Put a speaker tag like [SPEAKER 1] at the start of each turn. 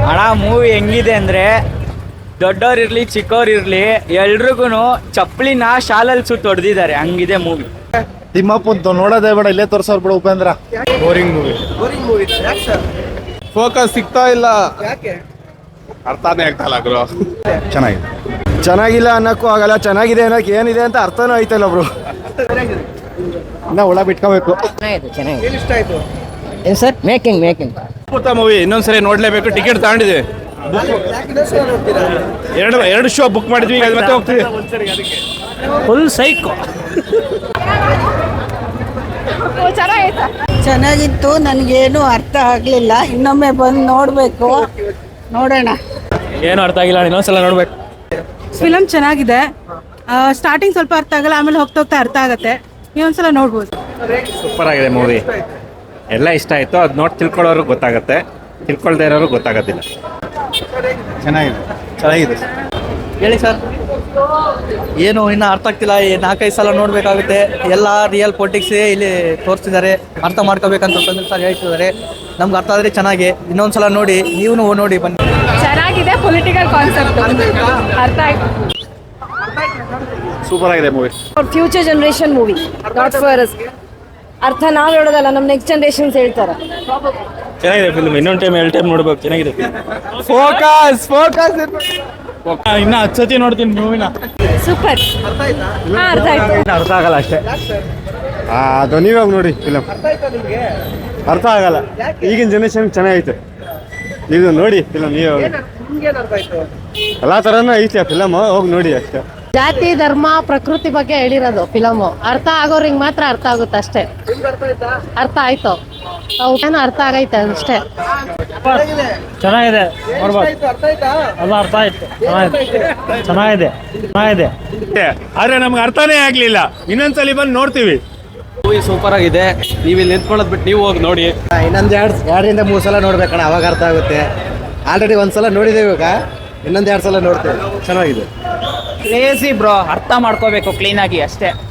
[SPEAKER 1] ಹಣ ಮೂವಿ ಹೆಂಗಿದೆ ಅಂದರೆ ದೊಡ್ಡವ್ರಿರ್ಲಿ ಚಿಕ್ಕವ್ರಿರ್ಲಿ ಎಲ್ರಿಗೂ ಚಪ್ಪಲಿನ ಶಾಲಲ್ಲಿ ಸುತ್ತ ಹೊಡೆದಿದ್ದಾರೆ, ಹಂಗಿದೆ ಮೂವಿ.
[SPEAKER 2] ತಿಮ್ಮಪ್ಪಂತು ನೋಡೋದೇ ಬೇಡ, ಇಲ್ಲೇ ತೋರ್ಸೋರ್ ಬಿಡು ಉಪೇಂದ್ರ. Boring movie.
[SPEAKER 3] ಫೋಕಸ್ ಸಿಗ್ತಾ ಇಲ್ಲ, ಅರ್ಥನೇ ಆಗ್ತಾ ಇಲ್ಲ ಬ್ರೋ.
[SPEAKER 2] ಚೆನ್ನಾಗಿಲ್ಲ ಅನ್ನಕ್ಕೂ ಆಗಲ್ಲ, ಚೆನ್ನಾಗಿದೆ ಅನ್ನಕ್ಕೆ ಏನಿದೆ ಅಂತ ಅರ್ಥನೂ ಆಯ್ತಲ್ಲ ಬ್ರೋ. ಇನ್ನ ಒಳ ಬಿಟ್ಕೋಬೇಕು.
[SPEAKER 4] ಚೆನ್ನಾಗಿದೆ. ಏನು ಸರ್? ಮೇಕಿಂಗ್
[SPEAKER 3] ಮೂವಿ ಇನ್ನೊಂದ್ಸರಿ ನೋಡ್ಲೇಬೇಕು. ಟಿಕೆಟ್ ತಗೊಂಡಿದ್ವಿ, ಎರಡು ಶೋ ಬುಕ್ ಮಾಡಿದ್ವಿ, ಈಗ ಮತ್ತೆ ಹೋಗ್ತೀವಿ.
[SPEAKER 1] Full psycho.
[SPEAKER 5] ಚೆನ್ನಾಗಿತ್ತು, ನನಗೇನು ಅರ್ಥ ಆಗಲಿಲ್ಲ. ಇನ್ನೊಮ್ಮೆ ಬಂದು ನೋಡಬೇಕು, ನೋಡೋಣ.
[SPEAKER 1] ಏನು ಅರ್ಥ ಆಗಿಲ್ಲ, ಇನ್ನೊಂದ್ಸಲ ನೋಡ್ಬೇಕು.
[SPEAKER 5] ಫಿಲಮ್ ಚೆನ್ನಾಗಿದೆ. ಸ್ಟಾರ್ಟಿಂಗ್ ಸ್ವಲ್ಪ ಅರ್ಥ ಆಗಲ್ಲ, ಆಮೇಲೆ ಹೋಗ್ತಾ ಹೋಗ್ತಾ ಅರ್ಥ ಆಗುತ್ತೆ. ಇನ್ನೊಂದ್ಸಲ ನೋಡ್ಬೋದು.
[SPEAKER 6] ಸೂಪರ್ ಆಗಿದೆ ಮೂವಿ, ಎಲ್ಲ ಇಷ್ಟ ಆಯಿತು. ಅದು ನೋಡಿ ತಿಳ್ಕೊಳ್ಳೋರು ಗೊತ್ತಾಗುತ್ತೆ, ತಿಳ್ಕೊಳ್ದೇ ಇರೋರು ಗೊತ್ತಾಗೋದಿಲ್ಲ.
[SPEAKER 2] ಚೆನ್ನಾಗಿದೆ.
[SPEAKER 4] ಹೇಳಿ ಸರ್. ಏನು ಇನ್ನು ಅರ್ಥ ಆಗ್ತಿಲ್ಲ, 4-5 ಸಲ ನೋಡಬೇಕಾಗುತ್ತೆ. ಎಲ್ಲ ರಿಯಲ್ ಪೊಲಿಟಿಕ್ಸ್ ಇಲ್ಲಿ ತೋರಿಸ್ತಿದ್ದಾರೆ, ಅರ್ಥ ಮಾಡ್ಕೋಬೇಕಂತ ತಂದ್ರೆ ಸರ್ ಹೇಳ್ತಿದ್ದಾರೆ. ನಮ್ಗೆ ಅರ್ಥ ಆದರೆ ಚೆನ್ನಾಗಿ, ಇನ್ನೊಂದ್ಸಲ ನೋಡಿ, ನೀವು ನೋಡಿ ಬನ್ನಿ.
[SPEAKER 5] ಚೆನ್ನಾಗಿದೆ, ಪೊಲಿಟಿಕಲ್ ಕಾನ್ಸೆಪ್ಟ್ ಅರ್ಥ ಆಯ್ತು.
[SPEAKER 2] ಸೂಪರ್ ಆಗಿದೆ movie.
[SPEAKER 7] Future generation movie, not for us. ಅರ್ಥ ನಾವು ಹೇಳೋದಲ್ಲ, ನಮ್ಮ ನೆಕ್ಸ್ಟ್ ಜನರೇಷನ್ಸ್ ಹೇಳ್ತಾರೆ.
[SPEAKER 1] ಚೆನ್ನಾಗಿದೆ ಫಿಲ್ಮ್, ಇನ್ನೊಂದು ಟೈಮ್ 2 ಟೈಮ್ ನೋಡ್ಬೇಕು. ಚೆನ್ನಾಗಿದೆ
[SPEAKER 3] ಫೋಕಸ್
[SPEAKER 1] ಇನ್ನು 10 ಸತಿ ನೋಡ್ತೀನಿ ಮೂವಿನ.
[SPEAKER 7] ಸೂಪರ್. ಅರ್ಥ ಆಯ್ತು.
[SPEAKER 1] ಅರ್ಥ ಆಗಲ್ಲ ಅಷ್ಟೇ.
[SPEAKER 2] ಅದು ನೀವಾಗ ನೋಡಿ ಫಿಲಮ್, ಅರ್ಥ ಆಗಲ್ಲ. ಈಗಿನ ಜನರೇಷನ್ ಚೆನ್ನಾಗೈತೆ, ಇದು ನೋಡಿ ಫಿಲಮ್. ನೀವು ಎಲ್ಲ ಥರನೂ ಐತೆ ಫಿಲಮ್, ಹೋಗಿ ನೋಡಿ ಅಷ್ಟೇ.
[SPEAKER 7] ಜಾತಿ ಧರ್ಮ ಪ್ರಕೃತಿ ಬಗ್ಗೆ ಹೇಳಿರೋದು ಫಿಲಮು. ಅರ್ಥ ಆಗೋರಿಗೆ ಮಾತ್ರ ಅರ್ಥ ಆಗುತ್ತೆ ಅಷ್ಟೇ. ಅರ್ಥ ಆಯ್ತು, ಏನೋ ಅರ್ಥ ಆಗೈತೆ ಅಷ್ಟೇ.
[SPEAKER 1] ಚೆನ್ನಾಗಿದೆ, ನೋಡ್ಬೋದು. ಎಲ್ಲ ಅರ್ಥ ಆಯ್ತು. ಚೆನ್ನಾಗಿದೆ.
[SPEAKER 3] ಆದ್ರೆ ನಮ್ಗೆ ಅರ್ಥನೇ ಆಗ್ಲಿಲ್ಲ. ಇನ್ನೊಂದ್ಸಲಿ ಬಂದು ನೋಡ್ತೀವಿ.
[SPEAKER 4] ಮೂವಿ ಸೂಪರ್ ಆಗಿದೆ. ನೀವು ಇಲ್ಲಿ ನಿಂತ್ಕೊಳ್ಳೋದು ಬಿಟ್ಟು ನೀವು ಹೋಗಿ ನೋಡಿ.
[SPEAKER 8] ಇನ್ನೊಂದು 2-3 ಸಲ ನೋಡ್ಬೇಕಣ್ಣ, ಅವಾಗ ಅರ್ಥ ಆಗುತ್ತೆ. ಆಲ್ರೆಡಿ 1 ಸಲ ನೋಡಿದ್ದೇವೆ, ಇವಾಗ ಇನ್ನೊಂದು 2 ಸಲ ನೋಡ್ತೇವೆ. ಚೆನ್ನಾಗಿದೆ.
[SPEAKER 1] ಕ್ರೇಜಿ ಬ್ರೋ, ಅರ್ಥ ಮಾಡ್ಕೋಬೇಕು ಕ್ಲೀನಾಗಿ ಅಷ್ಟೇ.